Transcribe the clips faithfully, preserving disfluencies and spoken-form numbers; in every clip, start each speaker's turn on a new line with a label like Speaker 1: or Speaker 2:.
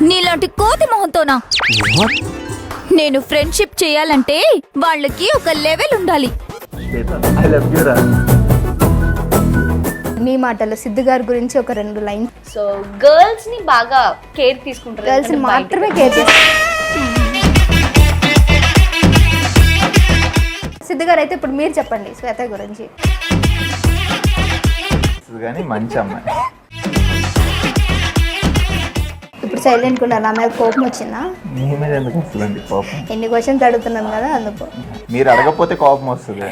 Speaker 1: నీలాంటి కోతి మొహంతోనా? నేను ఫ్రెండ్షిప్ చేయాలంటే వాళ్ళకి ఒక లెవెల్ ఉండాలి.
Speaker 2: ఐ లవ్ యు రా.
Speaker 3: మీ మాటలు సిద్ధు గారి గురించి ఒక రెండు లైన్.
Speaker 4: సో గర్ల్స్ ని బాగా కేర్ తీసుకుంటారు,
Speaker 3: గర్ల్స్ ని మాత్రమే కేర్ చేస్తారు. సిద్ధు గారు అయితే ఇప్పుడు మీరు చెప్పండి శ్వేత గురించి.
Speaker 2: కానీ మంచి అమ్మాయి.
Speaker 3: ఇప్పుడు సైలెంట్ గా నా మీద కోపం వచ్చిందా?
Speaker 2: మీ మీద ఎందుకు వస్తుందండి కోపం?
Speaker 3: ఎన్ని క్వశ్చన్స్ అడుగుతున్నాను కదా అందుకు.
Speaker 2: మీరు అడగకపోతే కోపం వస్తుంది.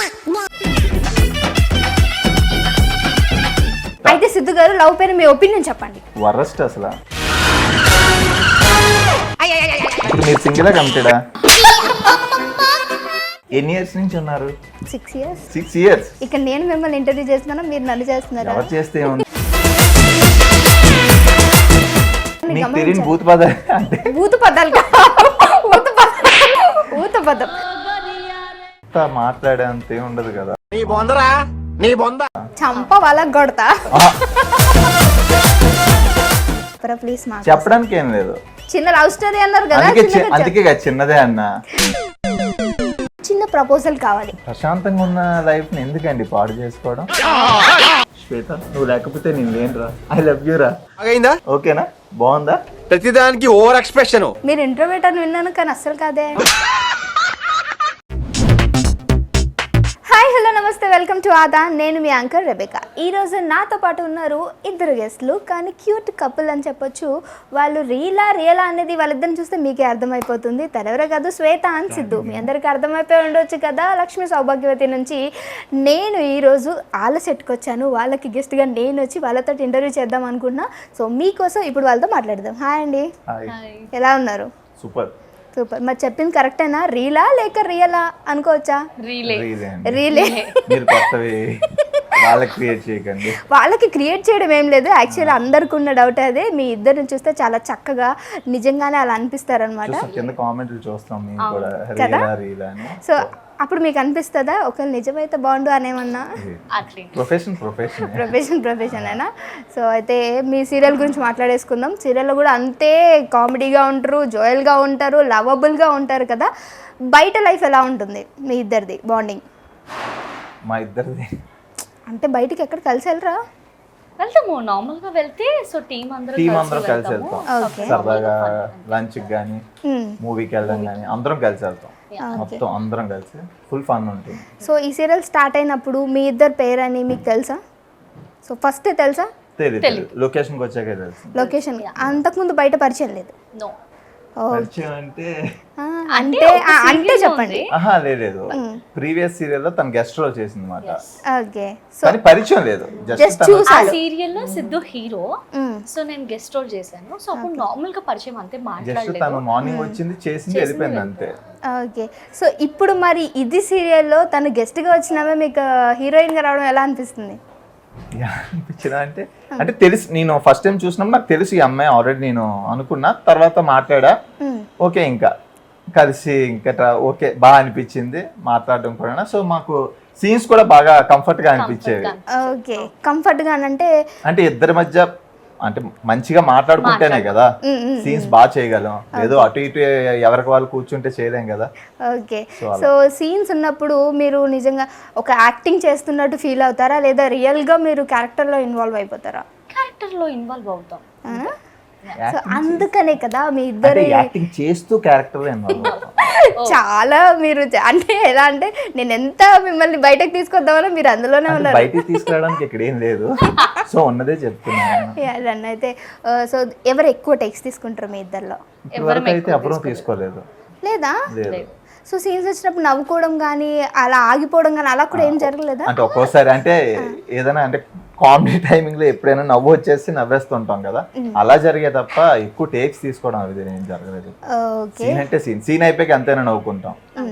Speaker 3: అయితే సిద్ధు గారు లవ్ పైన మీ ఒపీనియన్ చెప్పండి.
Speaker 2: వరస్ట్ అసలు. ఇప్పుడు మీరు సింగిలా కమిటెడా? ఎన్ని ఇయర్స్ నుంచి ఉన్నారు?
Speaker 3: Six years.
Speaker 2: Six years.
Speaker 3: ఇక్కడ నేను మిమ్మల్ని ఇంటర్వ్యూ చేస్తున్నాను, మీరు నన్ను చేస్తున్నారు.
Speaker 2: ఎవరు చేస్తే ఏముంది? మీకు తెలియని భూత పదాలు అంటే
Speaker 3: భూత పదాలు భూత పదాలు భూత పదం
Speaker 2: మాట్లాడేంత ఏం ఉండదు కదా.
Speaker 5: నీ బొందరా నీ బొంద
Speaker 3: చంప వాళ్ళకి కొడతా. ప్లీజ్ మా
Speaker 2: చెప్పడానికి ఏం లేదు.
Speaker 3: చిన్న లవ్ స్టోరీ అన్నారు కదా,
Speaker 2: అందుకే
Speaker 3: చిన్నగా
Speaker 2: అందుకే కదా చిన్నదే అన్నా.
Speaker 3: చిన్న ప్రపోజల్ కావాలి.
Speaker 2: ప్రశాంతంగా ఉన్న లైఫ్ ని ఎందుకండి పాడు చేసుకోవడం? శ్వేత నువ్వు లేకపోతే నేను లేనురా. ఐ లవ్ యూ రా.
Speaker 5: అయిందా?
Speaker 2: ఓకేనా? బాగుందా?
Speaker 5: ప్రతిదానికి ఓవర్ ఎక్స్ప్రెషన్.
Speaker 3: మీరు ఇంట్రోవర్ట్ అని విన్నాను కానీ అస్సలు కాదే. హాయ్ హలో నమస్తే, వెల్కమ్ టు ఆదా. నేను మీ యాంకర్ రెబేకా. ఈరోజు నాతో పాటు ఉన్నారు ఇద్దరు గెస్ట్లు, కానీ క్యూట్ కపుల్ అని చెప్పొచ్చు. వాళ్ళు రీలా రియలా అనేది వాళ్ళిద్దరిని చూస్తే మీకే అర్థమైపోతుంది. తనెవరో కాదు, శ్వేత అండ్ సిద్ధు. మీ అందరికీ అర్థమైపోయి ఉండొచ్చు కదా. లక్ష్మీ సౌభాగ్యవతి నుంచి నేను ఈరోజు వాళ్ళ సెట్కి వచ్చాను. వాళ్ళకి గెస్ట్గా నేను వచ్చి వాళ్ళతో ఇంటర్వ్యూ చేద్దాం అనుకుంటున్నా. సో మీకోసం ఇప్పుడు వాళ్ళతో మాట్లాడదాం. హాయ్ అండి, ఎలా ఉన్నారు?
Speaker 2: Super
Speaker 3: super. మరి చెప్పింది కరెక్టేనా? రీలా లేక రియలా అనుకోవచ్చా?
Speaker 4: రీలే.
Speaker 3: రీలే.
Speaker 2: మీరు కొత్తవి వాళ్ళకి క్రియేట్ చేయకండి.
Speaker 3: వాళ్ళకి క్రియేట్ చేయడం ఏం లేదు. యాక్చువల్లీ అందరికి ఉన్న డౌట్ అదే. మీ ఇద్దరిని చూస్తే చాలా చక్కగా నిజంగానే అలా అనిపిస్తారనమాట.
Speaker 2: కింద కామెంట్లు చూస్తాం మేము కూడా,
Speaker 3: కదా?
Speaker 2: రీలా రీలా అని.
Speaker 3: సో అప్పుడు మీకు అనిపిస్తుందా ఒకవేళ నిజమైతే బాగుండు అనేమన్నా?
Speaker 2: ప్రొఫెషన్ ప్రొఫెషన్
Speaker 3: ప్రొఫెషన్ ప్రొఫెషన్ అయినా. సో అయితే మీ సీరియల్ గురించి మాట్లాడేసుకుందాం. సీరియల్లో కూడా అంతే కామెడీగా ఉంటారు, జోయల్గా ఉంటారు, లవబుల్గా ఉంటారు కదా. బయట లైఫ్ ఎలా ఉంటుంది మీ ఇద్దరిది బాండింగ్?
Speaker 2: మా ఇద్దరిది
Speaker 3: అంటే బయటికి ఎక్కడ కలిసి వెళ్ళరా?
Speaker 4: వెళ్తాము, నార్మల్ గా వెళ్తే సో టీం అందరూ
Speaker 2: టీం అందరం కలిసి వెళ్తాం. సరదాగా లంచ్ కానీ మూవీకి వెళ్ళడం కానీ అందరం కలిసి వెళ్తాం. మొత్తం అందరం కలిసి ఫుల్ ఫన్ ఉంటుంది.
Speaker 3: సో ఈ సీరియల్ స్టార్ట్ అయినప్పుడు మీ ఇద్దరు పేరు అని మీకు తెలుసా? సో ఫస్ట్ తెలుసా?
Speaker 2: తెలియదు, లొకేషన్కి వచ్చాకే తెలుసు.
Speaker 3: లొకేషన్ అంతకుముందు బయట పరిచయం లేదు.
Speaker 4: నో.
Speaker 2: పరిచయం అంటే
Speaker 3: అంటే అంటే చెప్పండి.
Speaker 2: ఆహా లేదు, ప్రీవియస్ సీరియల్ లో తన గెస్ట్ రోల్ చేసింది అన్నమాట.
Speaker 3: ఓకే. సో
Speaker 2: కానీ పరిచయం లేదు, జస్ట్
Speaker 4: ఆ సీరియల్ లో సిద్ధు హీరో, సో నేను గెస్ట్ రోల్ చేశాను. సో అప్పుడు నార్మల్ గా పరిచయం అంతే,
Speaker 2: జస్ట్
Speaker 4: మాట్లాడలేదు.
Speaker 2: తను మార్నింగ్ వచ్చింది, చేసింది, వెళ్ళిపోయింది అంతే.
Speaker 3: ఓకే. సో ఇప్పుడు మరి ఇది సీరియల్లో తను గెస్ట్ గా వచ్చినామే, మీకు హీరోయిన్ గా రావడం ఎలా అనిపిస్తుంది?
Speaker 2: అనిపించిందా అంటే అంటే తెలుసు, నేను ఫస్ట్ టైం చూసినప్పుడు నాకు తెలుసు ఈ అమ్మాయి ఆల్రెడీ నేను అనుకున్నా. తర్వాత మాట్లాడా, ఓకే ఇంకా కలిసి ఇంకా ఓకే బాగా అనిపించింది మాట్లాడడం కూడా. సో మాకు సీన్స్ కూడా బాగా కంఫర్ట్ గా అనిపించేవి.
Speaker 3: ఓకే. కంఫర్ట్ గా అంటే
Speaker 2: అంటే ఇద్దరి మధ్య అంటే మంచిగా మాట్లాడుకుంటేనే కదా సీన్స్ బాగా చేయగలం. ఏదో అటు ఇటు ఎవరికి వాళ్ళు కూర్చుంటే చేయలేం కదా.
Speaker 3: ఓకే. సో సీన్స్ ఉన్నప్పుడు మీరు నిజంగా ఒక యాక్టింగ్ చేస్తున్నట్టు ఫీల్ అవుతారా, లేదా రియల్ గా మీరు క్యారెక్టర్ లో ఇన్వాల్వ్ అయిపోతారా?
Speaker 4: క్యారెక్టర్ లో ఇన్వాల్వ్ అవుతాం.
Speaker 3: సో అందుకనే కదా మీ ఇద్దరు
Speaker 2: యాక్టింగ్ చేస్తూ క్యారెక్టర్ లో ఇన్వాల్వ్ అవుతాం.
Speaker 3: చాలా మీరు అంటే ఎలా అంటే నేను ఎంత మిమ్మల్ని బయటకు తీసుకొద్దామని మీరు అందులోనే ఉన్నారు.
Speaker 2: బయటికి తీసుకురావడానికి ఇక్కడ ఏం లేదు, సో ఉన్నదే చెప్తున్నాను.
Speaker 3: అయితే సో ఎవరు ఎక్కువ టెక్స్ తీసుకుంటారు మీ ఇద్దరిలో?
Speaker 2: ఎవరికైతే అప్పుడు తీసుకోలేదు
Speaker 3: లేదా? సో సీన్స్ వచ్చినప్పుడు నవ్వుకోవడం కానీ అలా ఆగిపోవడం కానీ అలా కూడా ఏం జరగలేదా?
Speaker 2: అంటే ఒక్కోసారి అంటే ఏదైనా అంటే కామెడీ టైమింగ్ లో ఎప్పుడైనా నవ్వు వచ్చేసి నవ్వేస్తుంటాం కదా, అలా జరిగే తప్ప ఎక్కువ టేక్స్ తీసుకోవడం అది ఏం జరగలేదు. సీన్ అంటే సీన్ సీన్ అయిపోయి అంతేనా నవ్వుకుంటాం.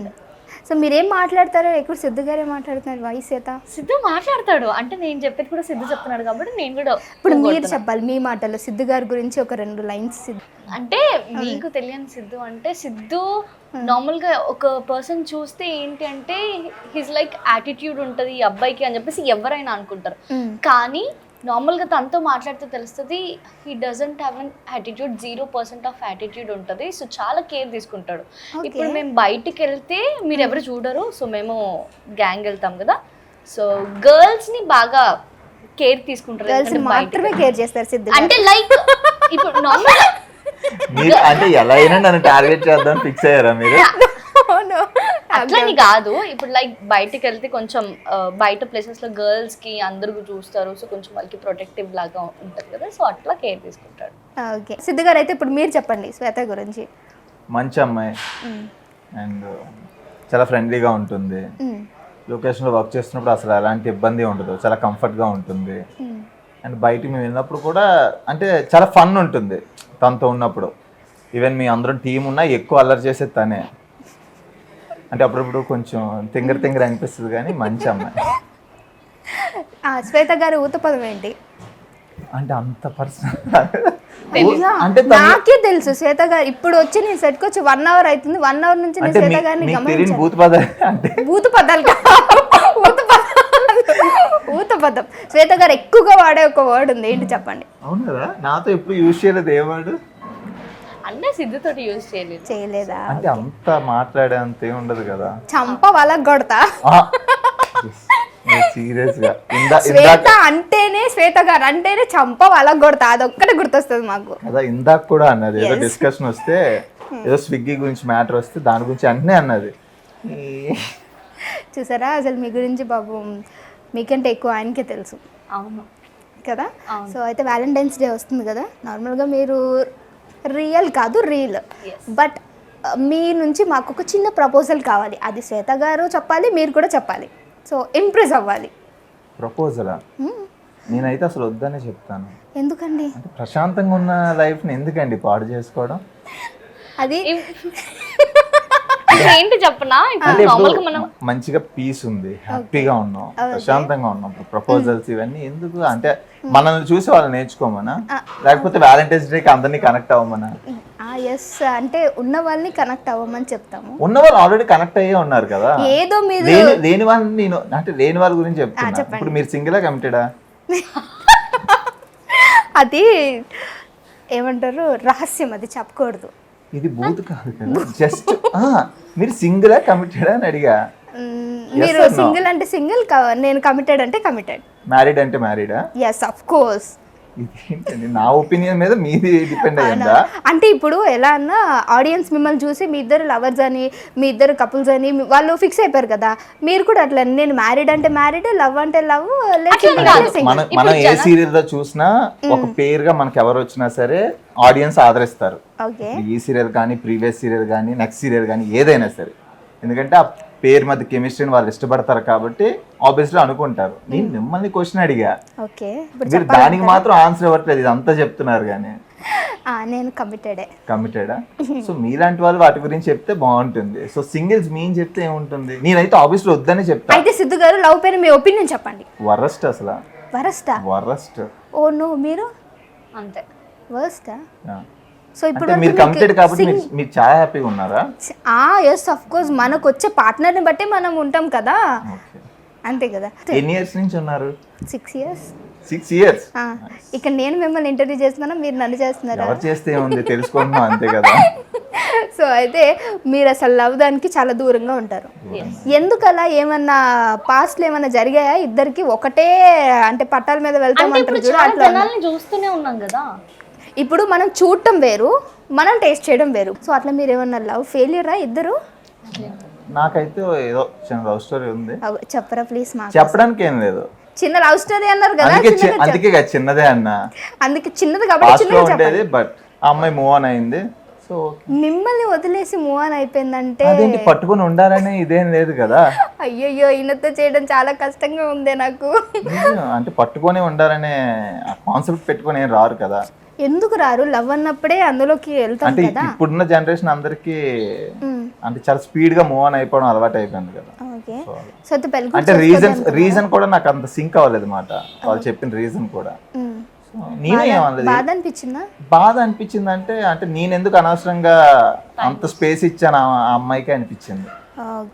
Speaker 3: సో మీరేం మాట్లాడతారో ఎక్కువ సిద్ధు గారే మాట్లాడుతున్నారు. వాయిస్ చేత
Speaker 4: సిద్ధు మాట్లాడతాడు అంటే నేను చెప్పేది కూడా సిద్ధు చెప్తున్నాడు కాబట్టి నేను కూడా
Speaker 3: ఇప్పుడు మీరు చెప్పాలి మీ మాటల్లో సిద్ధు గారి గురించి ఒక రెండు లైన్స్.
Speaker 4: అంటే మీకు తెలియని సిద్ధు అంటే సిద్ధు నార్మల్ గా ఒక పర్సన్ చూస్తే ఏంటి అంటే హిస్ లైక్ యాటిట్యూడ్ ఉంటది ఈ అబ్బాయికి అని చెప్పేసి ఎవరైనా అనుకుంటారు. కానీ నార్మల్గా తనతో మాట్లాడితే తెలుస్తుంది he doesn't have an attitude, zero percent of attitude ఉంటుంది. సో చాలా కేర్ తీసుకుంటాడు. ఇప్పుడు మేము బయటికి వెళ్తే మీరు ఎవరు చూడరు, సో మేము గ్యాంగ్ వెళ్తాం కదా, సో గర్ల్స్ని బాగా కేర్ తీసుకుంటారు.
Speaker 3: గర్ల్స్
Speaker 4: ఎందుకంటే
Speaker 3: మాత్రమే
Speaker 4: బయటికి-
Speaker 3: కేర్ చేస్తారు సిద్ధు
Speaker 4: అంటే లైక్ ఇప్పుడు నార్మల్
Speaker 2: మీరు అంటే ఎలా అయినా నన్ను టార్గెట్ చేద్దాం ఫిక్స్ అయ్యారా మీరు?
Speaker 4: అట్లని కాదు, ఇప్పుడు లైక్ బయటికి వెళ్తే కొంచెం ఆ, బయట ప్లేసెస్ లో గర్ల్స్ కి అందరూ చూస్తారు, సో కొంచెం వాళ్ళకి ప్రొటెక్టివ్ లాగా ఉంటుంది కదా, సో అట్లా కేర్ తీసుకుంటాడు.
Speaker 3: ఓకే సిద్ధు గారు, అయితే ఇప్పుడు మీరు చెప్పండి శ్వేత గురించి.
Speaker 2: మంచి అమ్మాయి అండ్ చాలా ఫ్రెండ్లీగా ఉంటుంది. లొకేషన్లో వర్క్ చేస్తున్నప్పుడు అసలు ఎలాంటి ఇబ్బంది ఉండదు, చాలా కంఫర్ట్గా ఉంటుంది. అండ్ బయటికి మేము వెళ్ళినప్పుడు కూడా అంటే చాలా ఫన్ ఉంటుంది తనతో ఉన్నప్పుడు. ఈవెన్ మీ అందరం టీం ఉన్నా ఎక్కువ అల్లరి చేసేది తనే. అంటే అప్పుడప్పుడు కొంచెం తింగర తింగర అనిపిస్తుంది కానీ మంచి అమ్మాయి.
Speaker 3: ఆ, శ్వేత గారి ఊతపదం ఏంటి?
Speaker 2: అంటే అంత పర్సనల్ అంటే తను-
Speaker 3: నాకే తెలుసు శ్వేత గారు. ఇప్పుడు వచ్చి నేను సెట్కి వచ్చి వన్ అవర్ అవుతుంది, వన్ అవర్ నుంచి నేను
Speaker 2: అంటే
Speaker 3: శ్వేత
Speaker 2: మీ-
Speaker 3: గారిని
Speaker 2: మీకు తెలియని
Speaker 3: గమనించాను.
Speaker 2: భూత పద అంటే
Speaker 3: ఊత పదాలు కాదు, ఊత పదాలు, ఊత పదం. శ్వేత గారు ఎక్కువగా వాడే ఒక వర్డ్ ఉంది, ఏంటి చెప్పండి?
Speaker 2: అవును కదా, నాతో ఎప్పుడు యూజ్ చేయలేదు ఏవాడు.
Speaker 4: అంటే సిద్ధుతోటి యూజ్ చేయలేదు.
Speaker 3: చేయలేదా?
Speaker 2: అంటే అంత మాట్లాడే అంత ఏం ఉండదు కదా.
Speaker 3: చంప వాళ్ళకి కొడతా.
Speaker 2: సీరియస్ గా ఇందా
Speaker 3: శ్వేత
Speaker 2: ఇందాక
Speaker 3: అంటేనే, శ్వేత గారు అంటేనే చంప వాళ్ళకి కొడతా, అదొక్కటే గుర్తొస్తుంది మాకు.
Speaker 2: కదా ఇందాక కూడా అన్నది ఏదో
Speaker 3: Yes.
Speaker 2: డిస్కషన్ వస్తే ఏదో స్విగ్గీ గురించి మ్యాటర్ వస్తే దాని గురించి అన్నీ అన్నది.
Speaker 3: చూసారా, అసలు మీ గురించి బాబు మీకంటే ఎక్కువ ఆయనకే తెలుసు
Speaker 4: అవును
Speaker 3: కదా. సో అయితే వ్యాలంటైన్స్ డే వస్తుంది కదా, నార్మల్గా మీరు రియల్ కాదు రీల్, బట్ మీ నుంచి మాకు ఒక చిన్న ప్రపోజల్ కావాలి. అది శ్వేత గారు చెప్పాలి, మీరు కూడా చెప్పాలి. సో ఇంప్రెస్ అవ్వాలి.
Speaker 2: ప్రపోజలా? నేనైతే అసలు వద్దనే చెప్తాను.
Speaker 3: ఎందుకండి?
Speaker 2: అంటే ప్రశాంతంగా ఉన్న లైఫ్ని ఎందుకండి పాడు చేసుకోవడం?
Speaker 3: అది
Speaker 4: ఇప్పుడు ఏంటి చెప్పనా,
Speaker 2: అంటే
Speaker 4: ఇప్పుడు
Speaker 2: ఇప్పుడు
Speaker 4: నార్మల్ గా మనం
Speaker 2: మంచిగా పీస్ ఉంది, హ్యాపీగా ఉన్నాం, ప్రశాంతంగా ఉన్నాం. ప్రపోజల్స్ ఇవన్నీ ఎందుకు? అంటే మనల్ని చూసి వాళ్ళు నేర్చుకోమనా, లేకపోతే వ్యాలంటైన్స్ డేకి అందరినీ కనెక్ట్ అవ్వమనా?
Speaker 3: ఎస్, అంటే ఉన్న వాళ్ళని కనెక్ట్ అవ్వమని చెప్తాము.
Speaker 2: ఉన్న వాళ్ళు ఆల్రెడీ కనెక్ట్ అయ్యే ఉన్నారు కదా.
Speaker 3: ఏదో మీరు
Speaker 2: లేని లేని వాళ్ళని నేను అంటే లేని వాళ్ళ గురించి చెప్తున్నా. ఇప్పుడు మీరు సింగిలా కమిటెడా?
Speaker 3: అది ఏమంటారు, రహస్యం, అది చెప్పకూడదు.
Speaker 2: ఇది బూత్ కాదు కదా, జస్ట్ మీరు సింగిలా కమిటెడా అని అడిగా.
Speaker 3: మ్మ్, మీరు సింగిల్ అంటే సింగిల్, నేను కమిటెడ్ అంటే కమిటెడ్.
Speaker 2: మ్యారీడ్ అంటే మ్యారీడా?
Speaker 3: Yes of course.
Speaker 2: ఇదేంటండి, నా ఒపీనియన్ మీద మీది డిపెండ్ అయ్యిందా?
Speaker 3: అంటే ఇప్పుడు ఎలా అన్నా ఆడియన్స్ మిమ్మల్ని చూసి మీ ఇద్దరు లవర్స్ అని, మీ ఇద్దరు కపుల్స్ అని మీ- వాళ్ళు ఫిక్స్ అయిపోయారు కదా. మీరు కూడా అట్లా, నేను మ్యారీడ్ అంటే మ్యారీడ్, లవ్ అంటే లవ్,
Speaker 2: మనం మనం ఏ సీరియల్ లో చూసినా ఒక పేరుగా మనకి ఎవరు వచ్చినా సరే ఆడియన్స్ ఆదరిస్తారు.
Speaker 3: ఓకే.
Speaker 2: ఈ సీరియల్ కానీ ప్రీవియస్ సీరియల్ కానీ నెక్స్ట్ సీరియల్ కానీ ఏదైనా సరే, ఎందుకంటే ఆ పేరు మధ్య కెమిస్ట్రీని వాళ్ళు ఇష్టపడతారు కాబట్టి ఆబ్వియస్లీ అనుకుంటారు. నేను మిమ్మల్ని క్వశ్చన్ అడిగా,
Speaker 3: ఓకే. ఇప్పుడు
Speaker 2: మీరు దానికి మాత్రం ఆన్సర్ ఇవ్వట్లేదు, ఇదంతా చెప్తున్నారు కానీ.
Speaker 3: ఆ, నేను కమిటెడే.
Speaker 2: కమిటెడా? సో మీలాంటి వాళ్ళు వాటి గురించి చెప్తే బాగుంటుంది. సో సింగిల్స్ మీన్ చెప్తే ఏముంటుంది? నేనైతే ఆబ్వియస్లీ వద్దనే చెప్తా.
Speaker 3: అయితే సిద్ధు గారు లవ్ పైన మీ ఒపీనియన్ చెప్పండి.
Speaker 2: వరస్ట్ అసలు,
Speaker 3: వరస్టా?
Speaker 2: వరస్ట్.
Speaker 3: ఓ నో, మీరు
Speaker 4: అంతే.
Speaker 3: వర్స్టా?
Speaker 2: Yeah.
Speaker 3: సో ఇప్పుడు
Speaker 2: అంటే మీరు కమిటెడ్ కాబట్టి మీరు మీరు చాలా హ్యాపీగా ఉన్నారా?
Speaker 3: ఎస్ ఆఫ్ కోర్స్, మనకు వచ్చే పార్ట్నర్ని బట్టి మనం ఉంటాం కదా,
Speaker 2: ఓకే.
Speaker 3: అంతే కదా.
Speaker 2: ఎన్ని ఇయర్స్ నుంచి ఉన్నారు?
Speaker 3: Six years.
Speaker 2: Six years.
Speaker 3: ఇక్కడ నేను మిమ్మల్ని ఇంటర్వ్యూ చేస్తున్నాను, మీరు నన్ను చేస్తున్నారా?
Speaker 2: ఎవరు చేస్తే ఏముంది, తెలుసుకుంటున్నాం అంతే కదా.
Speaker 3: సో అయితే మీరు అసలు లవ్ దానికి చాలా దూరంగా ఉంటారు. ఎందుకు అలా? ఏమన్నా పాస్ట్ లో ఏమన్నా జరిగాయా ఇద్దరికి? ఒకటే అంటే పట్టాల మీద వెళ్తాం
Speaker 4: అంటే ఇప్పుడు
Speaker 3: అంటారు చూడు,
Speaker 4: చాలా
Speaker 3: అట్లా.
Speaker 4: జనాల్ని చూస్తూనే ఉన్నాం కదా.
Speaker 3: ఇప్పుడు మనం చూడటం వేరు, మనం టేస్ట్ చేయడం వేరు. సో అట్లా మీరు ఏమన్నా లవ్ ఫెయిలియరా ఇద్దరు?
Speaker 2: నాకైతే ఏదో చిన్న లవ్ స్టోరీ ఉంది,
Speaker 3: అవ్- చెప్పరా ప్లీజ్ మాకు.
Speaker 2: చెప్పడానికి ఏం లేదు.
Speaker 3: చిన్న లవ్ స్టోరీ అన్నారు కదా,
Speaker 2: అందుకే చి-
Speaker 3: చిన్నగా చెప్-
Speaker 2: అందుకే కదా చిన్నదే అన్న.
Speaker 3: అందుకే చిన్నది కాబట్టి
Speaker 2: పాస్ట్ లో
Speaker 3: చిన్నగా
Speaker 2: ఉండేది,
Speaker 3: చెప్పండి.
Speaker 2: బట్ ఆ అమ్మాయి మూవ్ ఆన్ అయింది. సో
Speaker 3: మిమ్మల్ని వదిలేసి మూవ్ ఆన్ అయిపోయిందంటే
Speaker 2: అదేంటి పట్టుకుని ఉండాలని ఇదేం లేదు కదా.
Speaker 3: అయ్యయ్యో, ఈయనతో చేయడం చాలా కష్టంగా ఉందే నాకు.
Speaker 2: నిజం, అంటే పట్టుకొని ఉండాలనే కాన్సెప్ట్ పెట్టుకొని ఏం రారు కదా.
Speaker 3: ఎందుకు రారు? లవ్ అన్నప్పుడే అందులోకి వెళ్తాం
Speaker 2: అంటే
Speaker 3: కదా.
Speaker 2: ఇప్పుడున్న జనరేషన్ అందరికి అంటే చాలా స్పీడ్ గా మూవ్ ఆన్ అయిపోవడం అలవాటు అయిపోయింది కదా.
Speaker 3: ఓకే. సో అయితే పెళ్లి
Speaker 2: అంటే రీజన్ రీజన్ కూడా నాకు అంత సింక్ అవ్వలేదు మాట, వాళ్ళు చెప్పిన రీజన్ కూడా.
Speaker 3: మ్మ్.
Speaker 2: సో నేనే ఏమనలేదు.
Speaker 3: బాధ అనిపించిందా?
Speaker 2: బాధ అనిపించింది అంటే అంటే నేను ఎందుకు అనవసరంగా అంత స్పేస్ ఇచ్చాను ఆ ఆ అమ్మాయికి అనిపించింది.
Speaker 3: ఓకే.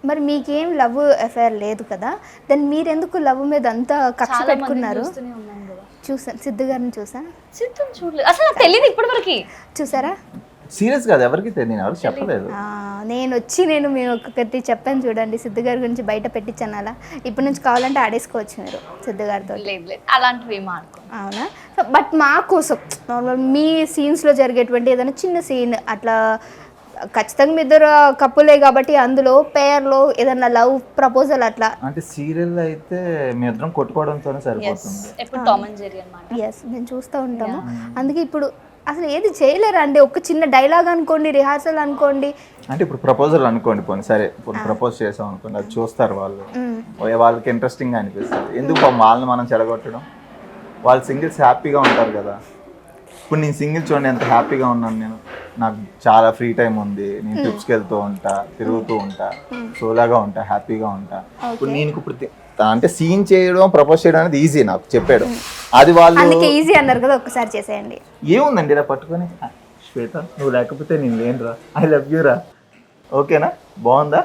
Speaker 3: మరి మీకేం లవ్ అఫైర్ లేదు కదా, దెన్ మీరెందుకు లవ్ మీద అంతా కక్ష
Speaker 4: చాలా మంది
Speaker 3: పెట్టుకున్నారు?
Speaker 4: చూస్తూనే ఉన్నాం కదా.
Speaker 3: చూసాను, సిద్ధు గారిని చూసా.
Speaker 4: సిద్ధం చూడలేదు అసలు, నాకు తెలియదు ఇప్పటి వరకు.
Speaker 3: చూసారా?
Speaker 2: సీరియస్ కాదు, ఎవరికి తెలియదు, ఎవరు చెప్పలేదు.
Speaker 3: ఆ, నేను వచ్చి నేను మేము ఒక్కొక్కటి చెప్పాను చూడండి, సిద్ధు గారి గురించి బయట పెట్టించాను అలా. ఇప్పటి నుంచి కావాలంటే ఆడేసుకోవచ్చు మీరు సిద్ధు గారితో.
Speaker 4: లేదు లేదు అలాంటివి ఏం ఆడుకో.
Speaker 3: అవునా? సో బట్ మా కోసం నార్మల్ మీ సీన్స్లో జరిగేటువంటి ఏదైనా చిన్న సీన్ అట్లా, ఖచ్చితంగా మీ ఇద్దరు కప్పులే కాబట్టి అందులో పేర్లో ఏదైనా లవ్ ప్రపోజల్ అట్లా.
Speaker 2: అంటే సీరియల్ అయితే మీ ఇద్దరం కొట్టుకోవడంతోనే సరిపోతుంది.
Speaker 4: ఎప్పుడు టామ్ అండ్ జెర్రీ అన్నమాట.
Speaker 3: ఎస్, మేము చూస్తూ ఉంటాము. అందుకే ఇప్పుడు అసలు ఏది చేయలేరా అండి? ఒక చిన్న డైలాగ్ అనుకోండి, రిహార్సల్ అనుకోండి.
Speaker 2: అంటే ఇప్పుడు ప్రపోజల్ అనుకోండి, పోనీ సరే ఇప్పుడు ప్రపోజ్ చేసాం అనుకోండి, అది చూస్తారు వాళ్ళు, ఓ వాళ్ళకి ఇంట్రెస్టింగ్ గా అనిపిస్తుంది. ఎందుకు పాపం వాళ్ళని మనం చెడగొట్టడం? వాళ్ళు సింగిల్స్ హ్యాపీగా ఉంటారు కదా. ఇప్పుడు నేను సింగిల్ చూడండి ఎంత హ్యాపీగా ఉన్నాను నేను, నాకు చాలా ఫ్రీ టైం ఉంది, నేను ట్రిప్స్కి వెళ్తూ ఉంటా, తిరుగుతూ ఉంటా, సోలాగా ఉంటా, హ్యాపీగా ఉంటా. ఇప్పుడు నేను ఇప్పుడు తి- అంటే సీన్ చేయడం, ప్రపోజ్ చేయడం అనేది ఈజీ నాకు చెప్పాడు. అది వాళ్ళు
Speaker 3: అందుకే ఈజీ అన్నారు కదా, ఒక్కసారి చేసేయండి.
Speaker 2: ఏముందండి ఇలా పట్టుకొని, శ్వేత నువ్వు లేకపోతే నేను లేనురా, ఐ లవ్ యూ రా, ఓకేనా, బాగుందా?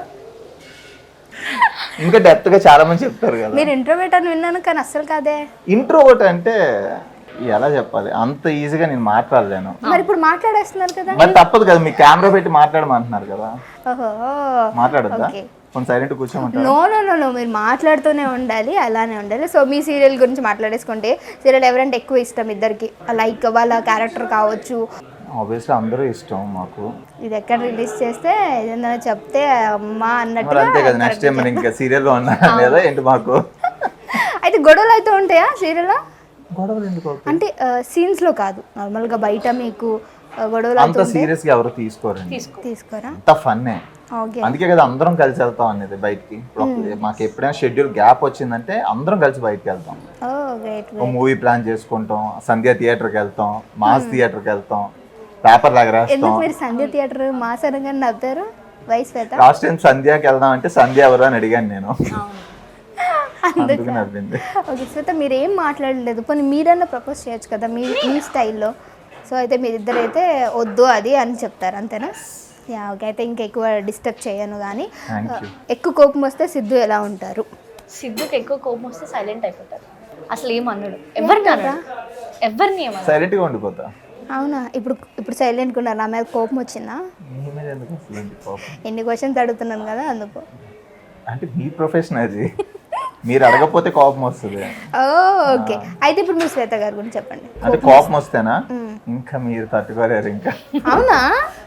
Speaker 2: ఇంకా డెప్త్ గా చాలా మంది చెప్తారు కదా.
Speaker 3: మీరు ఇంట్రోవేట్ అని విన్నాను కానీ అస్సలు కాదే.
Speaker 2: ఇంట్రోవర్ట్ అంటే ఎలా చెప్పాలి, అంత ఈజీగా నేను మాట్లాడలేను.
Speaker 3: మరి ఇప్పుడు మాట్లాడేస్తున్నారు కదా.
Speaker 2: మరి తప్పదు కదా, మీ కెమెరా పెట్టి మాట్లాడమంటున్నారు కదా,
Speaker 3: ఓహో,
Speaker 2: మాట్లాడద్దా?
Speaker 3: ఓకే.
Speaker 2: కొంచెం సైలెంట్ కూర్చోమంటారు.
Speaker 3: నో నో నో నో మీరు మాట్లాడుతూనే ఉండాలి, అలానే ఉండాలి. సో మీ సీరియల్ గురించి మాట్లాడేసుకుంటే, సీరియల్ ఎవరంటే ఎక్కువ ఇష్టం ఇద్దరికి? లైక్ వాళ్ళ క్యారెక్టర్ కావచ్చు.
Speaker 2: ఆబ్వియస్లీ అందరూ ఇష్టం మాకు.
Speaker 3: ఇది ఎక్కడ రిలీజ్ చేస్తే ఏదైనా చెప్తే అమ్మా
Speaker 2: మరి
Speaker 3: అన్నట్టుగా.
Speaker 2: అంతే కదా, నెక్స్ట్ టైం మరి ఇంకా సీరియల్లో ఉన్నా లేదా ఏంటి మాకు?
Speaker 3: అయితే గొడవలు అయితే ఉంటాయా సీరియల్లో?
Speaker 2: గొడవలు ఎందుకు అవుతాయి?
Speaker 3: అంటే సీన్స్ లో కాదు, నార్మల్ గా బయట మీకు ఆ, గొడవలు
Speaker 2: అంత సీరియస్ గా ఎవరు తీసుకోరండి,
Speaker 3: తీసుకోరా?
Speaker 2: అంత ఫన్నే.
Speaker 3: ఓకే.
Speaker 2: అందుకే కదా అందరం కలిసి వెళ్తాం అనేది బయటికి. ఇప్పుడు మాకు ఎప్పుడైనా షెడ్యూల్ గ్యాప్ వచ్చిందంటే అందరం కలిసి బయటకి వెళ్తాం,
Speaker 3: ఓ గ్రేట్.
Speaker 2: ఒక మూవీ ప్లాన్ చేసుకుంటాం, సంధ్య థియేటర్కి వెళ్తాం, మాస్ థియేటర్కి వెళ్తాం, పేపర్ లాగా రాస్తాం.
Speaker 3: ఎందుకు మీరు సంధ్య థియేటర్ మాసరంగా నవ్వుతారు? వయసు పెద్ద
Speaker 2: లాస్ట్ టైం సంధ్యాకి వెళ్దాం అంటే సంధ్య ఎవరు అని అడిగాను నేను, అందుకు నవ్వింది.
Speaker 3: ఓకే శ్వేత, మీరు ఏం మాట్లాడలేదు, పోనీ మీరన్నా ప్రపోజ్ చేయొచ్చు కదా మీ మీ స్టైల్లో. సో అయితే మీరిద్దరు అయితే వద్దు అది అని చెప్తారు అంతేనా? Yeah okay. అయితే ఇంకా ఎక్కువ డిస్టర్బ్ చేయను కానీ,
Speaker 2: థ్యాంక్ యూ.
Speaker 3: ఎక్కువ కోపం వస్తే సిద్ధు ఎలా ఉంటారు?
Speaker 4: సిద్ధుకి ఎక్కువ కోపం వస్తే సైలెంట్ అయిపోతారు, అసలు ఏమన్నాడు, ఎవరిని అన్నాడు, ఎవరిని ఏమన్నా.
Speaker 2: సైలెంట్ గా ఉండిపోతా.
Speaker 3: అవునా? ఇప్పుడు ఇప్పుడు సైలెంట్గా ఉన్నారు, నా మీద కోపం వచ్చిందా?
Speaker 2: మీ మీద ఎందుకు అసలు ఏంటి కోపం?
Speaker 3: ఎన్ని క్వశ్చన్స్ అడుగుతున్నాను కదా అందుకు.
Speaker 2: అంటే మీ ప్రొఫెషన్ అది, మీరు అడగకపోతే కోపం వస్తుంది.
Speaker 3: Oh okay. అయితే ఇప్పుడు మీరు శ్వేత గారి గురించి చెప్పండి.
Speaker 2: అంటే కోపం వస్తేనా ఇంకా మీరు తట్టుకోలేరు ఇంకా.
Speaker 3: అవునా?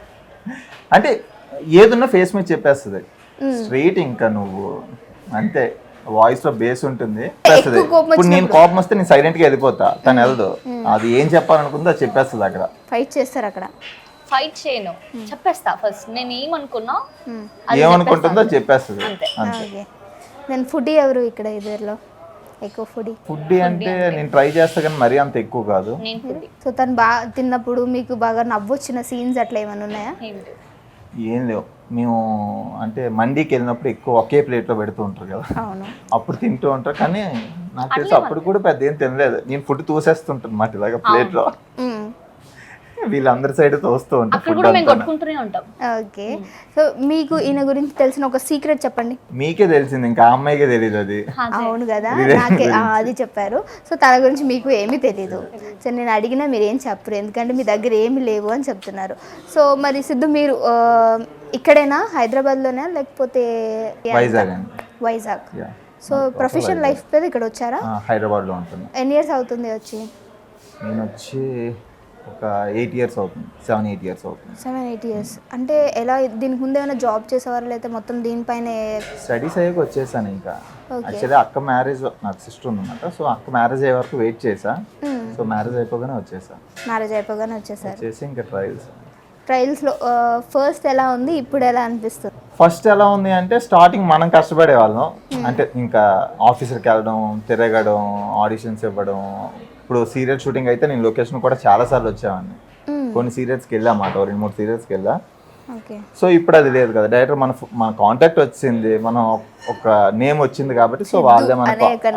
Speaker 2: అంటే ఏదున్నా ఫేస్ మీద చెప్పేస్తుంది స్ట్రైట్. ఇంకా నువ్వు అంతే, వాయిస్ లో బేస్ ఉంటుంది. చెప్పేస్తుంది. ఇప్పుడు నేను కోపం వస్తే నేను సైలెంట్ గా వెళ్ళిపోతా, తను వెళ్ళదు. అది ఏం చెప్పాలనుకుందో అది చెప్పేస్తుంది అక్కడ.
Speaker 3: ఫైట్ చేస్తారు అక్కడ?
Speaker 4: ఫైట్ చేయను, చెప్పేస్తా ఫస్ట్ నేను ఏమనుకున్నా
Speaker 2: ఏమనుకుంటుందో అది చెప్పేస్తుంది అంతే.
Speaker 3: ఓకే. నేను ఫుడ్ ఎవరు ఇక్కడ ఇద్దరిలో ఎక్కువ ఫుడ్?
Speaker 2: ఫుడ్ అంటే నేను ట్రై చేస్తా కానీ మరీ అంత ఎక్కువ కాదు.
Speaker 4: నేను ఫుడ్
Speaker 3: సో తను బాగా తిన్నప్పుడు మీకు బాగా నవ్వొచ్చిన సీన్స్ అట్లా ఏమైనా ఉన్నాయా?
Speaker 4: ఏం లేవు.
Speaker 2: ఏం లేవు. మేము అంటే మండీకి వెళ్ళినప్పుడు ఎక్కువ ఒకే ప్లేట్ లో పెడుతూ ఉంటారు కదా,
Speaker 3: అవును.
Speaker 2: అప్పుడు తింటూ ఉంటారు. కానీ నాకు తెలిసి అప్పుడు కూడా పెద్ద ఏం తినలేదు. నేను ఫుడ్ తోసేస్తుంటాను మాట ఇలాగా ప్లేట్ లో,
Speaker 3: మ్మ్.
Speaker 2: వీళ్ళందరి సైడ్ తోస్తూ ఉంటారు
Speaker 4: అక్కడ
Speaker 2: ఫుడ్
Speaker 4: కూడా మేము
Speaker 2: అంతా.
Speaker 4: కొట్టుకుంటూనే ఉంటాం.
Speaker 3: ఓకే. సో మీకు ఈయన గురించి తెలిసిన ఒక సీక్రెట్ చెప్పండి.
Speaker 2: మీకే తెలిసింది, ఇంకా ఆ అమ్మాయికే తెలియదు అది.
Speaker 3: అవును కదా, నాకే ఆ, అది చెప్పారు. సో తన గురించి మీకు ఏమీ తెలీదు. సో నేను అడిగినా మీరు ఏం చెప్పరు, ఎందుకంటే మీ దగ్గర ఏమీ లేవు అని చెప్తున్నారు. సో మరి సిద్ధు మీరు ఆ, ఇక్కడేనా హైదరాబాద్లోనే లేకపోతే
Speaker 2: వైజాగ్ అండి.
Speaker 3: Vizag.
Speaker 2: Yeah.
Speaker 3: So professional life మీద ఇక్కడ వచ్చారా?
Speaker 2: ఆ, హైదరాబాద్ లో ఉంటున్నా.
Speaker 3: ఎన్ని ఇయర్స్ అవుతుంది వచ్చి?
Speaker 2: నేను వచ్చి ఒక ఎయిట్ ఇయర్స్ అవుతుంది, సెవెన్ ఎయిట్ ఇయర్స్ అవుతుంది.
Speaker 3: సెవెన్ ఎయిట్ ఇయర్స్ అంటే ఎలా? దీనికి ముందు ఏమైనా జాబ్ చేసేవారు లేకపోతే మొత్తం దీనిపైనే?
Speaker 2: స్టడీస్ అయ్యాక వచ్చేసాను ఇంకా. యాక్చువల్లీ అక్క మ్యారేజ్, నాకు సిస్టర్ ఉందన్నమాట. సో అక్క మ్యారేజ్ అయ్యే వరకు వెయిట్ చేసా. సో మ్యారేజ్ అయిపోగానే వచ్చేసా.
Speaker 3: మ్యారేజ్ అయిపోగానే వచ్చేసారు.
Speaker 2: వచ్చేసి ఇంకా ట్రయల్స్.
Speaker 3: ట్రయల్స్లో ఫస్ట్ ఎలా ఉంది, ఇప్పుడు ఎలా అనిపిస్తుంది?
Speaker 2: ఫస్ట్ ఎలా ఉంది అంటే స్టార్టింగ్ మనం కష్టపడే వాళ్ళం. అంటే ఇంకా ఆఫీసర్కి వెళ్ళడం, తిరగడం, ఆడిషన్స్ ఇవ్వడం. ఇప్పుడు సీరియల్ షూటింగ్ అయితే నేను లొకేషన్ కూడా చాలా సార్లు వచ్చేవాడిని. కొన్ని సీరియల్స్కి వెళ్ళామాట, రెండు మూడు సీరియల్స్కి వెళ్ళా.
Speaker 3: ఓకే. సో
Speaker 2: ఇప్పుడు అది లేదు కదా, డైరెక్టర్ మన మన కాంటాక్ట్ వచ్చింది, మనం ఒక నేమ్ వచ్చింది కాబట్టి సో వాళ్ళే మన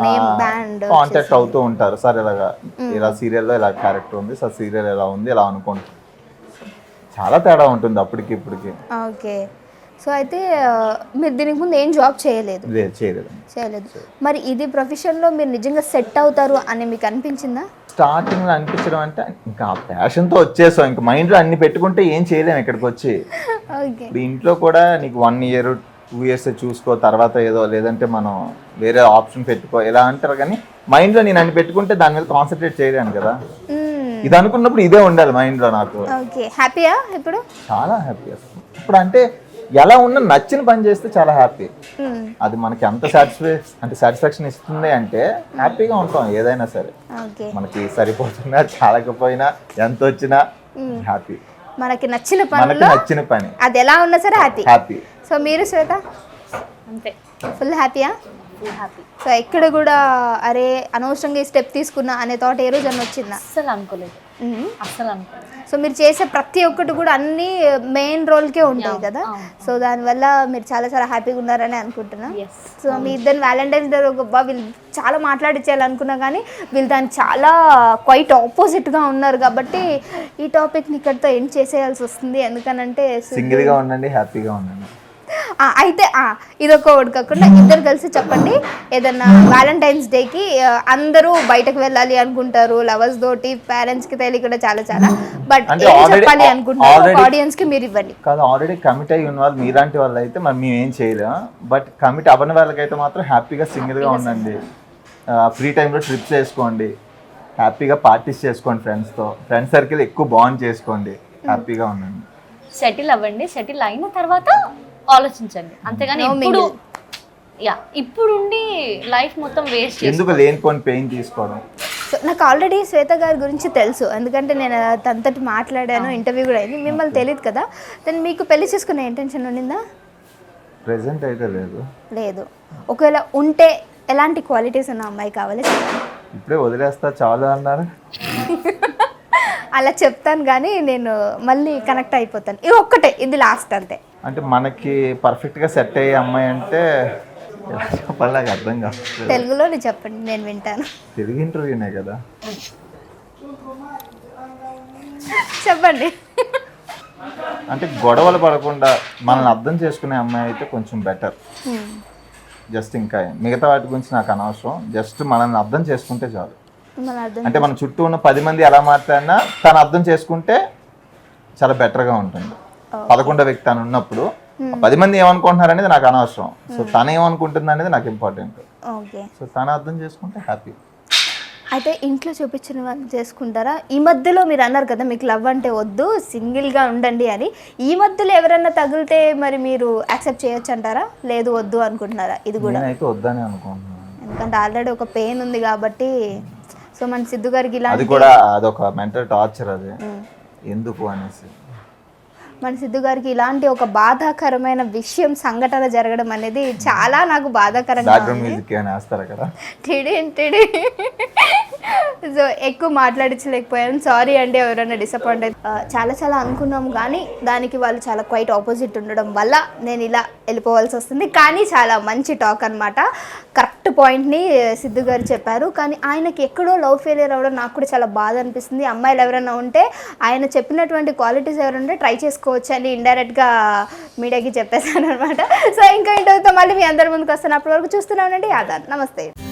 Speaker 2: కాంటాక్ట్ అవుతూ ఉంటారు. సార్ ఇలాగా ఇలా సీరియల్లో ఇలా క్యారెక్టర్ ఉంది సార్, సీరియల్ ఎలా ఉంది ఇలా అనుకుంటారు. చాలా తేడా ఉంటుంది అప్పటికి ఇప్పటికి.
Speaker 3: ఓకే. సో అయితే ఆ, మీరు దీనికి ముందు ఏం జాబ్ చేయలేదు
Speaker 2: లేదు చేయలేదు.
Speaker 3: చేయలేదు మరి ఇది ప్రొఫెషన్లో మీరు నిజంగా సెట్ అవుతారు అని మీకు అనిపించిందా?
Speaker 2: స్టార్టింగ్ లో అనిపించడం అంటే ఇంకా ప్యాషన్ తో వచ్చేసాం, ఇంకా మైండ్ లో అన్ని పెట్టుకుంటే ఏం చేయలేము ఇక్కడికి వచ్చి.
Speaker 3: ఓకే.
Speaker 2: ఇప్పుడు ఇంట్లో కూడా నీకు వన్ ఇయర్ టూ ఇయర్స్ చూసుకో, తర్వాత ఏదో లేదంటే మనం వేరే ఆప్షన్ పెట్టుకో ఇలా అంటారు, కానీ మైండ్ లో నేను అన్ని పెట్టుకుంటే దాని మీద కాన్సన్ట్రేట్ చేయలేను కదా. ఇది అనుకున్నప్పుడు ఇదే ఉండాలి మైండ్ లో నాకు.
Speaker 3: ఓకే. హ్యాపీయా ఇప్పుడు?
Speaker 2: చాలా హ్యాపీ అసలు. ఇప్పుడు అంటే ఎలా ఉన్నా నచ్చిన పని చేస్తే చాలా హ్యాపీ. అది మనకి ఎంత సాటిస్ఫై అంటే సాటిస్ఫాక్షన్ ఇస్తుంది అంటే హ్యాపీగా ఉంటాం ఏదైనా సరే.
Speaker 3: ఓకే.
Speaker 2: మనకి సరిపోతున్నా చాలకపోయినా ఎంత వచ్చినా హ్యాపీ.
Speaker 3: మనకి నచ్చిన
Speaker 2: మనకి
Speaker 3: పనిలో
Speaker 2: నచ్చిన పని
Speaker 3: అది ఎలా ఉన్నా సరే హ్యాపీ.
Speaker 2: హ్యాపీ.
Speaker 3: సో మీరు శ్వేత
Speaker 4: అంతే,
Speaker 3: ఫుల్ హ్యాపీయా?
Speaker 4: Full happy.
Speaker 3: సో ఎక్కడ కూడా అరే అనవసరంగా ఈ స్టెప్ తీసుకున్నా అనే థాట్ ఏ రోజు అని వచ్చిందా?
Speaker 4: అస్సలు అనుకోలేదు,
Speaker 3: మ్మ్.
Speaker 4: అస్సలు అనుకోలేదు.
Speaker 3: సో మీరు చేసే ప్రతి ఒక్కటి కూడా అన్ని మెయిన్ రోల్కే ఉంటాయి కదా.
Speaker 4: అవును.
Speaker 3: సో దానివల్ల మీరు చాలా చాలా హ్యాపీగా ఉన్నారని అనుకుంటున్నా.
Speaker 4: ఎస్.
Speaker 3: సో మీ ఇద్దరు వ్యాలంటైన్స్ డే గొప్ప వీళ్ళు చాలా మాట్లాడించాలనుకున్నా కానీ వీళ్ళు దానికి చాలా క్వైట్ ఆపోజిట్గా ఉన్నారు కాబట్టి ఈ టాపిక్ని ఇక్కడితో ఎండ్ చేసేయాల్సి వస్తుంది. ఎందుకనంటే
Speaker 2: సింగిల్ గా ఉండండి, హ్యాపీగా ఉండండి.
Speaker 3: ఆ, అయితే ఆ, ఇదొక ఒకటి కాకుండా ఇద్దరు కలిసి చెప్పండి ఏదన్నా వ్యాలంటైన్స్ డేకి అందరూ బయటకు వెళ్ళాలి అనుకుంటారు లవర్స్ తోటి, పేరెంట్స్ కి తెలియకుండా చాలా చాలా, బట్
Speaker 2: అంటే
Speaker 3: ఏం
Speaker 2: already-
Speaker 3: చెప్పాలి అనుకుంటున్నారు
Speaker 2: already-
Speaker 3: ఆడియన్స్ కి మీరు ఇవ్వండి.
Speaker 2: కాదు ఆల్రెడీ కమిట్ అయ్యి ఉన్న వాళ్ళు మీలాంటి వాళ్ళు అయితే మరి మేము ఏం చేయలేము, బట్ కమిట్ అవ్వని వాళ్ళకైతే మాత్రం హ్యాపీగా సింగిల్ గా ఉండండి. ఫ్రీ టైంలో ట్రిప్స్ వేసుకోండి, హ్యాపీగా పార్టీస్ చేసుకోండి, ఫ్రెండ్స్తో ఫ్రెండ్ సర్కిల్ ఎక్కువ బాండ్ చేసుకోండి, హ్యాపీగా ఉండండి.
Speaker 4: సెటిల్ అవ్వండి, సెటిల్ అయిన తర్వాత ఆలోచించండి, అంతేగాని
Speaker 3: No
Speaker 4: ఇప్పుడు
Speaker 3: mingle.
Speaker 4: యా ఇప్పుడుండి లైఫ్ మొత్తం వేస్ట్ చేసి
Speaker 2: ఎందుకు లేనిపోని పెయిన్ తీసుకోవడం.
Speaker 3: సో నాకు ఆల్రెడీ శ్వేత గారి గురించి తెలుసు, ఎందుకంటే నేను తనతోటి మాట్లాడాను, ఇంటర్వ్యూ కూడా అయింది. మిమ్మల్ని తెలియదు కదా, దాన్ని మీకు పెళ్లి చేసుకునే ఇంటెన్షన్ ఉండిందా?
Speaker 2: ప్రెసెంట్ అయితే లేదు.
Speaker 3: లేదు. ఒకవేళ ఉంటే ఎలాంటి క్వాలిటీస్ ఉన్న అమ్మాయి కావాలి చెప్పండి.
Speaker 2: ఇప్పుడే వదిలేస్తా చాలు అన్నారు.
Speaker 3: అలా చెప్తాను కానీ నేను మళ్ళీ కనెక్ట్ అయిపోతాను. ఇది ఒక్కటే, ఇది లాస్ట్ అంతే.
Speaker 2: అంటే మనకి పర్ఫెక్ట్ గా సెట్ అయ్యే అమ్మాయి అంటే ఎలా చెప్పాలి నాకు అర్థం కాదు.
Speaker 3: తెలుగులోనే చెప్పండి, నేను వింటాను.
Speaker 2: తెలుగు ఇంటర్వ్యూనే కదా.
Speaker 3: చెప్పండి.
Speaker 2: అంటే గొడవలు పడకుండా మనల్ని అర్థం చేసుకునే అమ్మాయి అయితే కొంచెం బెటర్. జస్ట్ ఇంకా మిగతా వాటి గురించి నాకు అనవసరం, జస్ట్ మనల్ని అర్థం చేసుకుంటే చాలు.
Speaker 3: మన అర్థం
Speaker 2: అంటే మన చుట్టూ ఉన్న పది మంది ఎలా మాట్లాడినా తను అర్థం చేసుకుంటే చాలా బెటర్గా ఉంటుంది. పదకొండో వ్యక్తి తను ఉన్నప్పుడు ఆ పది మంది ఏమనుకుంటున్నారు అనేది నాకు అనవసరం, సో తను ఏమనుకుంటుంది అనేది నాకు ఇంపార్టెంట్.
Speaker 3: ఓకే.
Speaker 2: సో తను అర్థం చేసుకుంటే హ్యాపీ.
Speaker 3: అయితే ఇంట్లో చూపించిన వాళ్ళు చేసుకుంటారా? ఈ మధ్యలో మీరు అన్నారు కదా మీకు లవ్ అంటే వద్దు, సింగిల్గా ఉండండి అని. ఈ మధ్యలో ఎవరైనా తగిలితే మరి మీరు యాక్సెప్ట్ చేయొచ్చు అంటారా, లేదు వద్దు అనుకుంటున్నారా? ఇది కూడా
Speaker 2: నేనైతే వద్దని అనుకుంటున్నాను,
Speaker 3: ఎందుకంటే ఆల్రెడీ ఒక పెయిన్ ఉంది కాబట్టి. సో మన సిద్ధు గారికి
Speaker 2: అది
Speaker 3: ఇలాంటి
Speaker 2: కూడా అదొక మెంటల్ టార్చర్, అది ఎందుకు అనేసి.
Speaker 3: మన సిద్ధు గారికి ఇలాంటి ఒక బాధాకరమైన విషయం సంఘటన జరగడం అనేది చాలా నాకు బాధాకరంగా
Speaker 2: బ్యాక్గ్రౌండ్
Speaker 3: ఉంది.
Speaker 2: మ్యూజిక్ ఏమైనా వేస్తారా కదా.
Speaker 3: టిడి టిడి. సో ఎక్కువ మాట్లాడించలేకపోయాను, సారీ అండి ఎవరైనా డిసప్పాయింట్ అయితే. చాలా చాలా అనుకున్నాం కానీ దానికి వాళ్ళు చాలా క్వైట్ ఆపోజిట్ ఉండడం వల్ల నేను ఇలా వెళ్ళిపోవాల్సి వస్తుంది. కానీ చాలా మంచి టాక్ అనమాట, కరెక్ట్ పాయింట్ని సిద్ధు గారు చెప్పారు. కానీ ఆయనకి ఎక్కడో లవ్ ఫెయిలియర్ అవ్వడం నాకు కూడా చాలా బాధ అనిపిస్తుంది. అమ్మాయిలు ఎవరైనా ఉంటే ఆయన చెప్పినటువంటి క్వాలిటీస్ ఎవరుంటే ట్రై చేసుకోవచ్చు అని ఇండైరెక్ట్గా మీడియాకి చెప్పేశాను అనమాట. సో ఇంకా ఇంటర్వ్యూతో మళ్ళీ మీ అందరి ముందుకు వస్తున్నప్పటి వరకు చూస్తూనే ఉండండి ఆదాన్. నమస్తే.